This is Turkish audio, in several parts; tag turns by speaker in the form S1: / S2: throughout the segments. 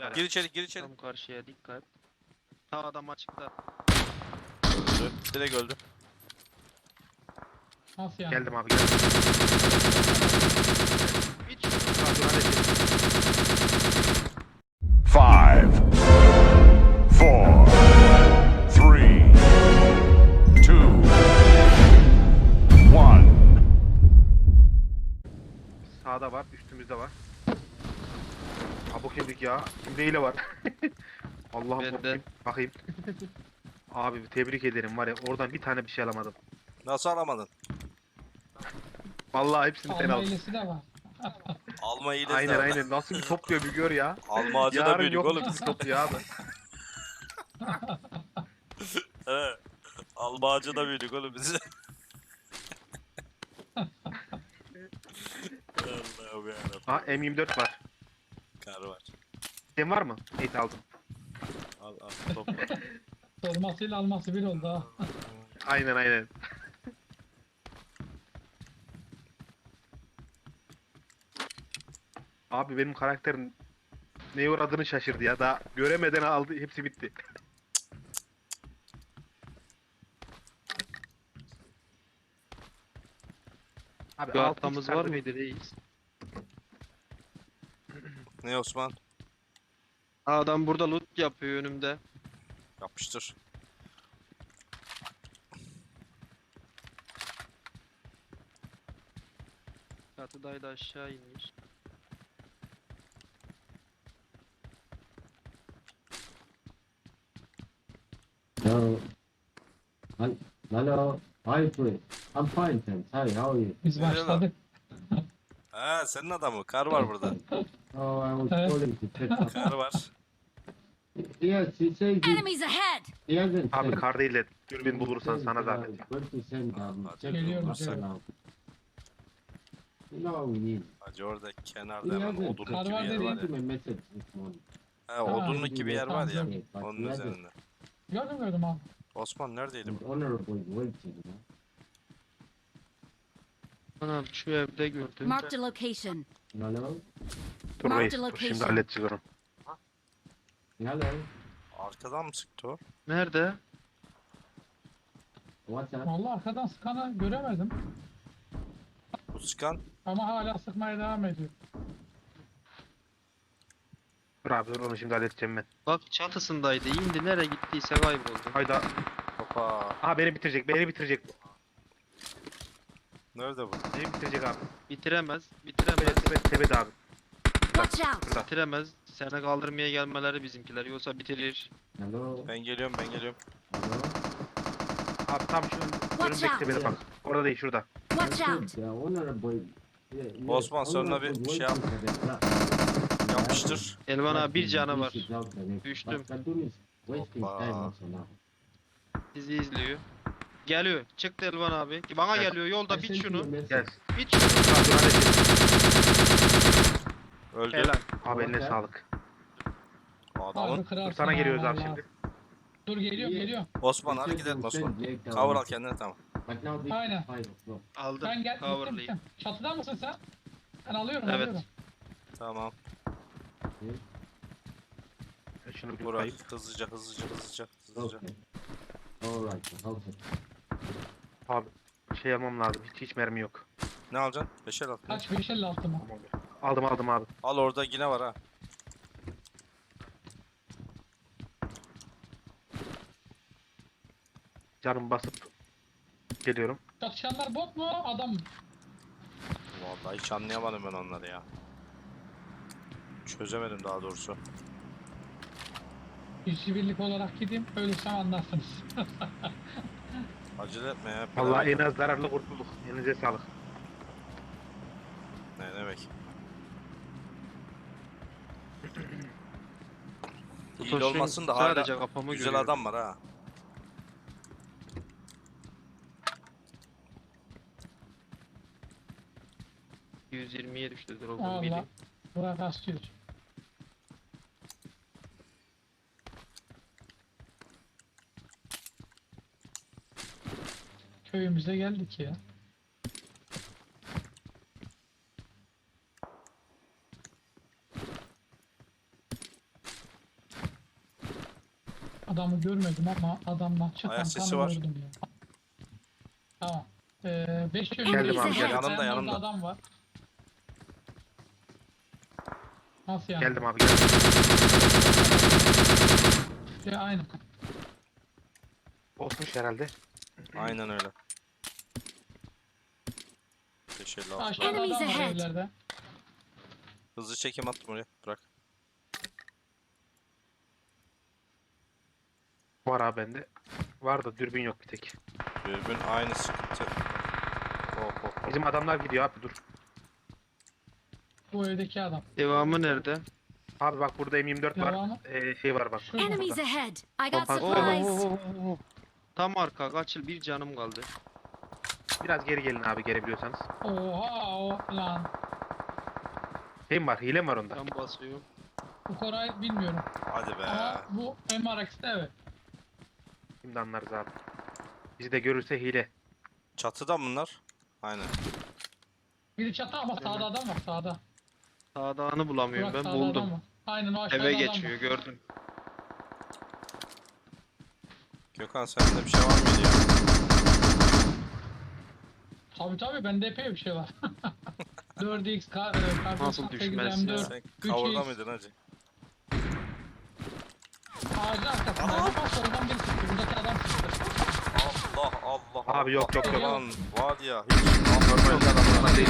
S1: dikkat.
S2: Gir içeri, gir içeri.
S1: Tam karşıya dikkat. Ta adam açıkta.
S2: Öldü. Direkt öldü.
S3: Nasıl yani?
S4: Geldim abi geldim.
S1: Hiç
S4: Hadi hadi.
S5: 5, 4, 3, 2, 1.
S4: Sağda var, üstümüzde var. Abuk yedik ya. Kimde hile var? Allah'ım
S1: Bende.
S4: korkayım. Bakayım. Abi tebrik ederim var ya oradan bir tane bir şey alamadım.
S2: Nasıl alamadın?
S4: Vallahi hepsini sen
S3: Alma
S4: aldın.
S3: hilesi de var.
S2: Alma iyilesi
S4: Aynen
S2: de var.
S4: aynen. Nasıl bir topluyor bir gör ya.
S2: Alma ağacı da
S4: Yarın
S2: büyüdük
S4: yok
S2: oğlum.
S4: bizi topluyor abi.
S2: He. Alma ağacı da büyüdük oğlum biz. Allah'ım yarabbim.
S4: Ha M24 var.
S2: Kar var.
S4: Sen var mı? Evet aldım.
S2: Al al topla.
S3: Sormasıyla alması bir oldu ha.
S4: Aynen aynen. Abi benim karakterim neye uğradığını şaşırdı ya. Daha göremeden aldı. Hepsi bitti. Abi
S1: bir
S4: 6x
S1: arkamız var
S4: sardı.
S1: mıydı reis?
S2: Ne Osman?
S1: Adam burada loot yapıyor önümde.
S2: Yapıştır.
S1: Çatıdaydı aşağı inmiş.
S6: Hello. Hello. Hi, please. I'm fine, thanks. Hi, how are you?
S3: Biz
S2: Nereye
S3: başladık.
S2: Ha senin adamı. Kar var burada.
S6: Oh, I was
S3: Hey.
S6: calling to check up.
S2: Kar var.
S6: Yes, he says he,
S7: Enemies ahead!
S6: he hasn't
S4: Abi
S6: sent.
S4: kar değil de dürbün bulursan
S6: He
S4: sana
S6: says,
S4: zahmet.
S6: going to send
S2: Hadi
S6: check
S3: geliyorum,
S6: up
S3: geliyorum.
S6: now. You know what we need.
S2: Hacı orada
S6: He
S2: kenarda hemen
S6: hasn't.
S2: odunluk
S3: Kar
S2: gibi
S3: var
S2: yer
S3: dedi.
S2: var
S6: Sent
S2: ya.
S6: him a message this morning.
S2: Ha odunluk gibi yer var ya.
S3: Tamam,
S6: But
S2: Onun
S6: he hasn't.
S2: üzerinde.
S3: Gördüm abi.
S2: Osman neredeydi
S6: He's
S2: bu?
S6: honorable waiting, you know.
S1: Anam şu evde gördüm.
S7: Marked a location.
S6: Hello?
S4: Dur
S7: Mark
S4: reis.
S7: the
S4: Dur,
S7: location.
S4: şimdi halledeceğiz onu.
S6: Hello?
S2: Arkadan mı sıktı o?
S1: Nerede?
S6: What's up?
S3: Vallahi arkadan sıkanı göremedim.
S2: Bu sıkan
S3: Ama hala sıkmaya devam ediyor.
S4: Dur abi dur onu şimdi halledeceğim ben.
S1: Bak çatısındaydı. İndi nereye gittiyse kayboldu.
S4: Hayda.
S2: Hopa.
S4: Aha beni bitirecek. Beni bitirecek.
S2: Nerede bu?
S4: Beni bitirecek abi.
S1: Bitiremez.
S4: Tepede
S1: Bitiremez.
S4: tepede abi.
S7: Watch out!
S4: Burada.
S1: Bitiremez. Seni kaldırmaya gelmeleri bizimkiler. Yoksa bitirir.
S6: Hello?
S2: Ben geliyorum ben geliyorum.
S6: Hello?
S4: Abi tam şu önümdeki
S7: out.
S4: tepede bak. Orada değil şurada.
S7: Watch
S6: I
S7: out!
S6: said, honorable... Yeah,
S2: Osman, sonra bir
S6: honorable
S2: şey yap.
S6: waiting for the truck.
S2: Yapıştır.
S1: Elvan abi bir
S6: But
S1: canı var.
S6: this is out there.
S1: Düştüm.
S6: But Kadun is wasting
S2: Hoppa.
S6: time also now.
S1: Sizi izliyor. Geliyor. Çıktı Elvan abi. Bana
S4: Gel.
S1: geliyor. Yolda
S6: I
S1: bit
S6: sent you a
S1: şunu.
S6: message.
S4: Gel.
S1: Bit şunu.
S4: Abi dur halledeceğiz.
S2: Öldü.
S1: Helal.
S4: Abi eline
S6: Okey.
S4: sağlık.
S2: Adamın.
S4: Dur
S3: kırarsın
S4: sana
S3: ha,
S4: geliyoruz abi
S3: vallahi.
S4: şimdi.
S3: Dur geliyorum geliyorum.
S2: Osman
S6: He
S2: hareket
S6: said he
S2: etme
S6: will
S2: Osman.
S6: send later
S2: Cover
S6: on.
S2: al kendine tamam.
S6: But now this
S3: Aynen.
S6: is 5 o'clock.
S1: Aldım.
S3: Ben gel.
S1: Coverlayayım.
S3: Gittim. Çatıda mısın sen? Ben alıyorum
S1: Evet.
S3: alıyorum.
S2: Tamam.
S4: Şunu bir
S2: Burak
S4: koyayım.
S2: hızlıca.
S6: Okay. Alright. Okay.
S4: Abi şey almam lazım. Hiç mermi yok.
S2: Ne alacaksın? 5'er al.
S3: Kaç 556 mı?
S4: Aldım abi.
S2: Al orada yine var ha.
S4: Canım basıp geliyorum.
S3: Çatışanlar bot mu adam mı?
S2: Vallahi hiç anlayamadım ben onları ya. Çözemedim daha doğrusu.
S3: İşçi birlik olarak gideyim. Ölürsem anlarsınız.
S2: Acele etme ya.
S4: Vallahi en az zararlı kurtulduk. Elinize sağlık.
S2: Ne demek? İyi
S1: Tosun
S2: olmasın da hala
S1: sadece kafamı
S2: güzel
S1: görüyorum.
S2: adam var ha.
S1: %120'ye düştü drop'un
S3: Allah.
S1: biri.
S3: Burak asıyor. Köyümüze geldik ya. Adamı görmedim ama adamdan çıkan
S2: Ayak sesi
S3: kanı
S2: var.
S3: gördüm ya. Tamam. 5
S7: Geldim
S3: yönlü
S7: abi,
S3: bir
S7: geldim.
S2: Yanımda,
S3: orada
S2: yanımda.
S3: adam var. Nasıl yani?
S4: Geldim abi geldim.
S3: Aynen.
S4: Botmuş herhalde.
S2: Aynen öyle. 556.
S3: Aşağıda
S7: Enemies
S3: adam var
S7: ahead.
S3: evlerde.
S2: Hızlı çekim attım oraya. Bırak.
S4: Var abi bende. Var da dürbün yok bir tek.
S2: Dürbün aynı sıkıntı. Hop hop hop.
S4: Bizim adamlar gidiyor abi dur.
S3: Bu evdeki adam.
S1: Devamı nerede?
S4: Abi bak burada M24 var.
S3: Devamı.
S4: Şey var bak.
S3: Şurada.
S7: Enemies ahead. I got
S4: Kompas-
S7: supplies.
S1: Tam arka kaçıl, bir canım kaldı.
S4: Biraz geri gelin abi gelebiliyorsanız.
S3: Oha o lan.
S4: Şey mi var? Hile mi var onda?
S1: Tam basıyorum.
S3: Bu Koray bilmiyorum.
S2: Hadi be.
S3: Ama bu MRX'te evet.
S4: Şimdi anlarız abi. Bizi de görürse hile.
S2: Çatıda bunlar. Aynen.
S3: Biri çatı ama sağda adam var sağda.
S1: Sağdağını bulamıyorum,
S3: Burak
S1: ben
S3: sağda adam
S1: buldum.
S3: var. Aynen o aşağıda
S1: Eve
S3: adam
S1: geçiyor,
S3: var.
S1: gördüm.
S2: Gökhan sende bir şey var mıydı ya?
S3: Tabii bende epey bir şey var. 4x
S1: Nasıl düşmez ya?
S2: Sen kavurda mıydın hacı?
S3: Ağacın arkasında. Bak sonradan biri çıktı. Buradaki adam çıktı.
S2: Allah Allah.
S4: Abi yok, yok, yok.
S2: Lan var ya hiç.
S4: Normal değil.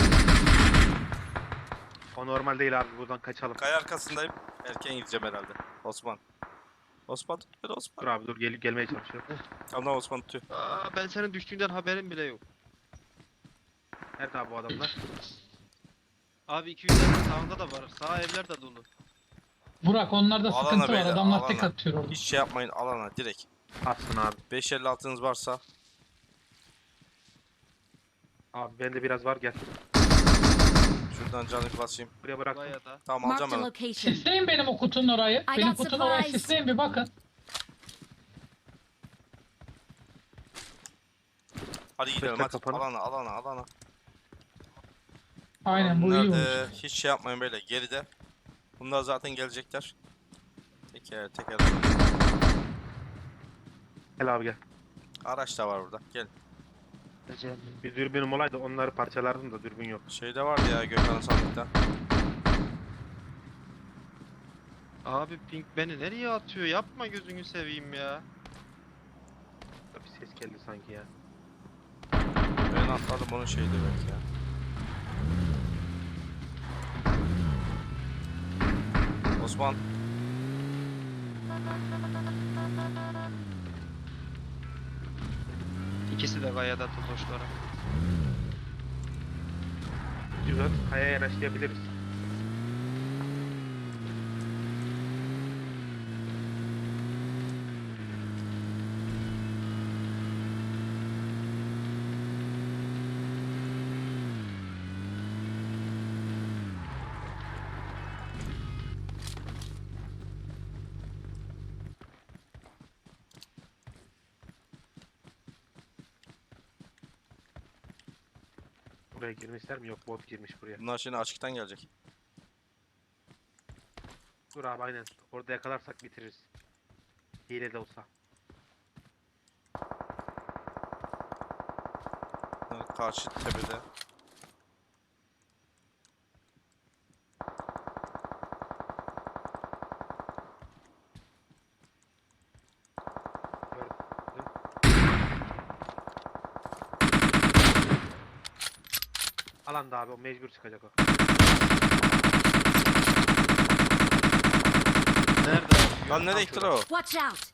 S4: O normal değil abi buradan kaçalım.
S2: Kaya arkasındayım. Erken gideceğim herhalde. Osman. Osman tut beni Osman.
S4: Dur abi dur gelmeye çalışıyor.
S2: Tamam Osman tutuyor.
S1: Aa, ben senin düştüğünden haberim bile yok.
S4: Nerede abi bu adamlar?
S1: Abi 200'lerin sağında da var. Sağ evler de dolu.
S3: Burak onlarda
S2: Alana
S3: sıkıntı var.
S2: beyler,
S3: Adamlar tek
S2: alana.
S3: atıyor orada.
S2: Hiç şey yapmayın alana direkt.
S4: Atsın abi.
S2: 556'nız varsa
S4: Abi bende biraz var gel.
S2: şuradan canı basayım.
S4: Buraya bıraktım.
S1: Buraya da.
S2: Tamam
S7: Marked
S2: alacağım
S7: a
S2: ben.
S7: location.
S3: Sisleyin benim o kutunun orayı.
S7: I
S3: Benim
S7: got
S3: kutunun orayı
S7: supplies.
S3: sisleyin bir bakın.
S2: Hadi gidelim
S4: Bekle,
S2: hadi.
S4: kapanın.
S2: Alana.
S3: Aynen bu iyi olmuş.
S2: Nerede? Hiç şey yapmayın böyle geride. Bunlar zaten gelecekler. Teker.
S4: Gel abi gel.
S2: Araç da var burada. Gel.
S4: Bir dürbünüm olaydı onları parçalardım da dürbün yok.
S2: Şeyde vardı ya Gökhan'ın sandıkta.
S1: Abi Pink beni nereye atıyor? Yapma, gözünü seveyim ya.
S4: Bir ses geldi sanki ya.
S2: Ben atladım onun şeydi belki ya. Osman.
S1: İkisi de kayada totoşlara.
S4: Güzel. Kayaya yanaşlayabiliriz. Buraya girmişler mi? Yok bot girmiş buraya.
S2: Bunlar şimdi açıktan gelecek.
S4: Dur abi aynen. Orada yakalarsak bitiririz. Hile de olsa.
S2: Bunlar karşı tepede.
S4: Gördüm. Alanda abi o mecbur çıkacak o.
S1: Nerede abi?
S2: Lan nereye gittiler o?
S7: Watch out.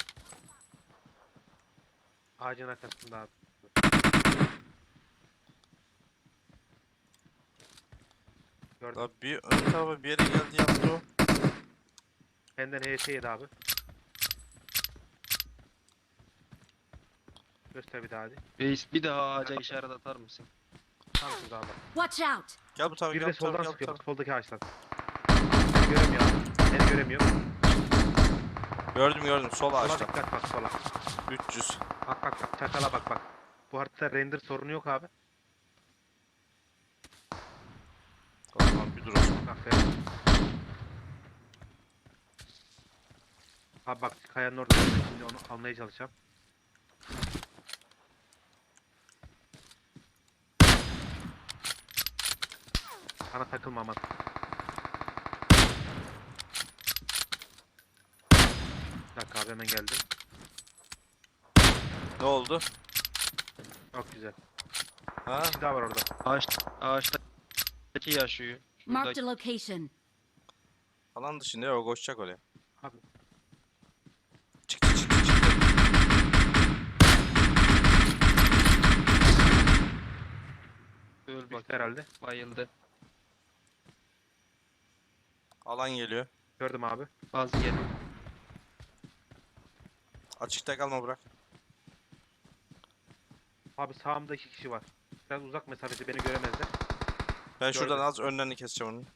S4: Ağacın arkasında abi. Gördüm.
S2: Lan bir ön tarafa bir yere geldi yaptı o.
S4: Benden HS yedi abi. Göster bir daha hadi.
S1: Reis bir daha ağaca işaret atar mısın?
S4: Tam şurada abi.
S7: Watch out.
S2: Gel bu tarafa
S4: Bir
S2: gel
S4: de
S2: bu tarafa
S4: soldan
S2: gel bu
S4: sıkıyor.
S2: tarafa.
S4: Bak, soldaki ağaçtan. Seni göremiyor abi. Seni göremiyor.
S2: Gördüm sol
S4: Sola
S2: ağaçta.
S4: dikkat bak sola.
S2: 300.
S4: Bak çakala bak. Bu haritada render sorunu yok abi.
S2: Osman bir dur Osman.
S4: Aferin. Abi bak kayanın orada. Ben şimdi onu almaya çalışacağım. Bana takılma aman. Bir dakika abi hemen geldim.
S2: Ne oldu?
S4: Çok güzel.
S2: Ha?
S4: Bir kişi daha var orada.
S1: Ağaçtaki yaşıyor.
S7: Marked
S1: Şuradaki.
S7: a location.
S2: Alan dışında ya, o koşacak oraya.
S4: Abi
S2: Çıktı çıktı çıktı.
S1: Öl bak.
S4: düştü herhalde.
S1: Bayıldı.
S2: Alan geliyor.
S4: Gördüm abi.
S1: Bazı yedi.
S2: Açıkta kalma, bırak.
S4: Abi sağımda 2 kişi var. Biraz uzak mesafede beni göremezler.
S2: Ben şuradan
S4: Gördüm.
S2: az önlerini keseceğim onun.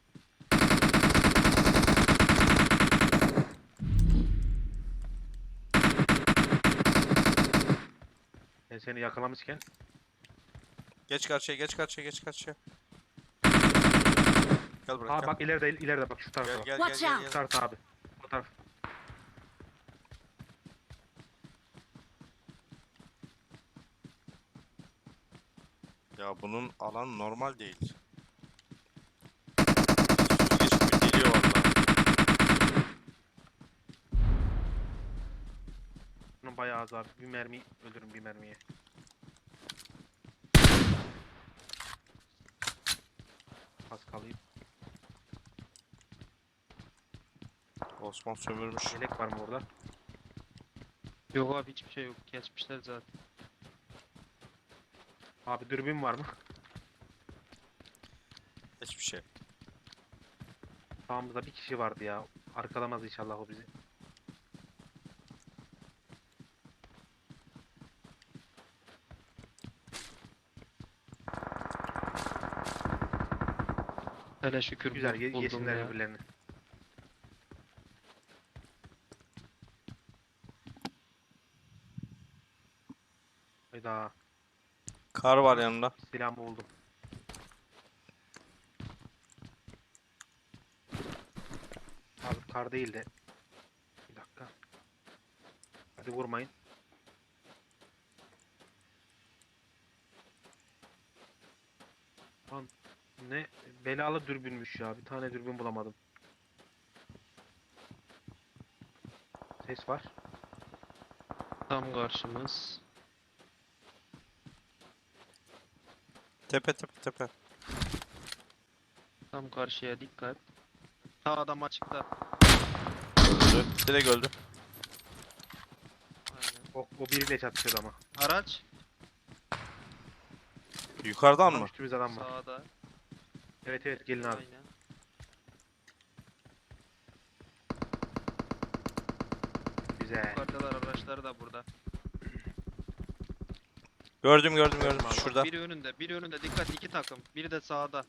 S4: Ben seni yakalamışken.
S2: Geç karşıya, geç karşıya, geç karşıya. Gel bırak.
S4: Aa
S2: Gel.
S4: bak ileride bak şu tarafa
S2: Gel
S4: bak.
S2: gel
S7: Watch
S2: gel
S7: out.
S2: gel.
S4: Bu tarafa abi. Bu taraf.
S2: Ya bunun alan normal değil. Su geçip geliyor valla.
S4: Bunun bayağı az abi. Bir mermi öldürün bir mermiye. Az kalayım.
S2: Osman sömürmüş.
S4: Yelek var mı orada?
S1: Yok abi hiçbir şey yok. Geçmişler zaten.
S4: Abi dürbün var mı?
S2: Hiçbir şey.
S4: Sağımızda bir kişi vardı ya. Arkalamaz inşallah o bizi.
S1: Hele şükür
S4: Güzel
S1: buldum
S4: yesinler
S1: ya.
S4: birbirlerini. Hayda.
S2: Kar var yanında.
S4: Silahımı buldum. Abi kar değil de. Bir dakika. Hadi vurmayın. Lan ne belalı dürbünmüş ya. Bir tane dürbün bulamadım. Ses var.
S1: Tam karşımız.
S2: Tepe tepe tepe.
S1: Tam karşıya dikkat. Ta adam açıkta.
S2: Öldü. Direkt öldü.
S1: Aynen.
S4: O biriyle çatışıyordu ama.
S1: Araç
S2: Yukarıdan
S4: Tam
S2: mı?
S4: üstümüzde adam var.
S1: sağda.
S4: Evet gelin abi.
S1: Aynen.
S4: Güzel.
S1: Yukarıdalar araçları da burada.
S2: Gördüm gördüm gördüm.
S1: Bak,
S2: Şurada.
S1: biri önünde dikkat iki takım. Biri de sağda.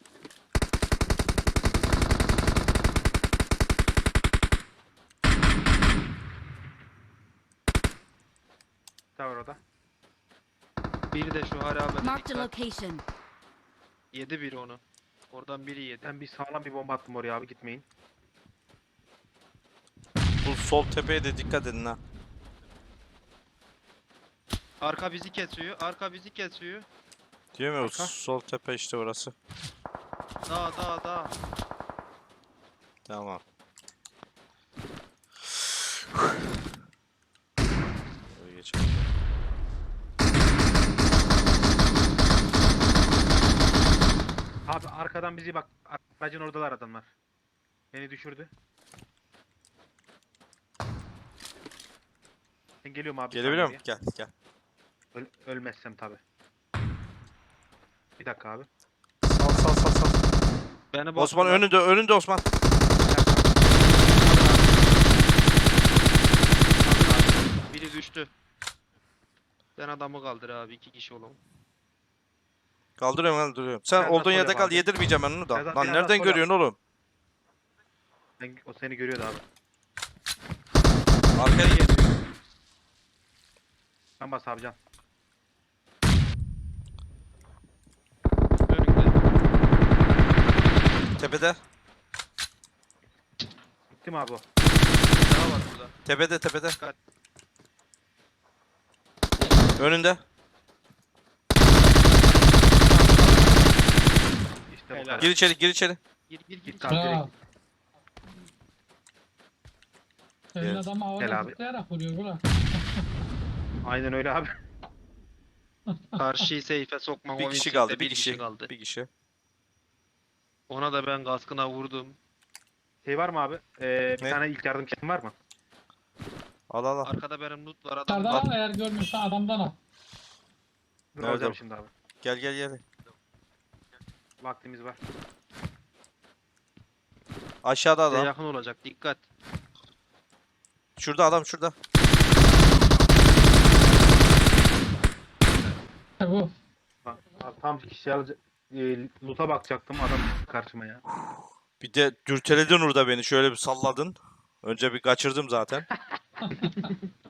S4: Ne var orada?
S1: Biri de şu harabede
S7: Marked a
S1: dikkat.
S7: location.
S1: Yedi biri onu. Oradan biri yedi.
S4: Ben bir sağlam bir bomba attım oraya abi gitmeyin.
S2: Bu sol tepeye de dikkat edin ha.
S1: Arka bizi kesiyor. Arka bizi kesiyor.
S2: Diyor mu?
S4: Arka.
S2: Sol tepe işte orası.
S1: Dağ.
S2: Tamam. Böyle geçelim.
S4: Abi arkadan bizi bak. Aracın oradalar adamlar. Beni düşürdü. Ben geliyorum abi. bir
S2: Gelebiliyor
S4: saniye.
S2: musun? Gel gel.
S4: Ölmezsem tabi. Bir dakika abi.
S2: Sal sal sal sal.
S1: Beni
S2: Osman
S1: bastılar.
S2: önünde Osman.
S4: Bir dakika.
S1: Biri düştü. Ben adamı kaldır abi. İki kişi olalım.
S2: Kaldırıyorum. Sen
S4: Biraz daha
S2: olduğun yerde
S4: sol
S2: kal,
S4: yap abi.
S2: yedirmeyeceğim ben onu da.
S4: Biraz daha-
S2: Lan
S4: biraz daha
S2: nereden
S4: sol
S2: görüyorsun oğlum?
S4: O seni görüyordu abi.
S2: Arkaya gel.
S4: Ben bas abi can.
S1: Önünde.
S2: Tepede.
S4: Bitti mi abi o?
S1: Daha var. burada.
S2: Tepede tepede.
S1: Dikkat.
S2: Önünde.
S4: İşte bu
S1: Helal.
S4: kadar.
S2: Gir içeri gir içeri.
S1: Gir gir gir.
S4: Git abi
S3: Bravo.
S4: direkt.
S3: Senin
S2: Evet.
S3: adamı havada
S4: Gel abi.
S3: zıplayarak vuruyor Burak.
S4: Aynen öyle abi.
S1: Karşıyı seyfe sokma.
S2: Bir
S1: o
S2: kişi
S1: instekte
S2: kaldı. Bir
S1: bir
S2: kişi.
S1: kaldı.
S2: Bir kişi.
S1: Ona da ben kaskına vurdum.
S4: Şey var mı abi? Bir
S2: Ne?
S4: tane ilk yardım kitim var mı?
S2: Al al al.
S1: Arkada benim loot var adam.
S3: Dışarıdan al, eğer görmüşsen adamdan al.
S4: Dur
S2: Nerede
S4: alacağım
S2: o?
S4: şimdi abi.
S2: Gel gel gel.
S4: Vaktimiz var.
S2: Aşağıda
S1: Size
S2: adam.
S1: yakın olacak. Dikkat.
S2: Şurada adam şurada.
S3: İşte bu.
S4: Bak, abi tam kişi alacak. Loot'a bakacaktım adam çıktı karşıma ya.
S2: Bir de dürteledin orada beni. Şöyle bir salladın. Önce bir kaçırdım zaten.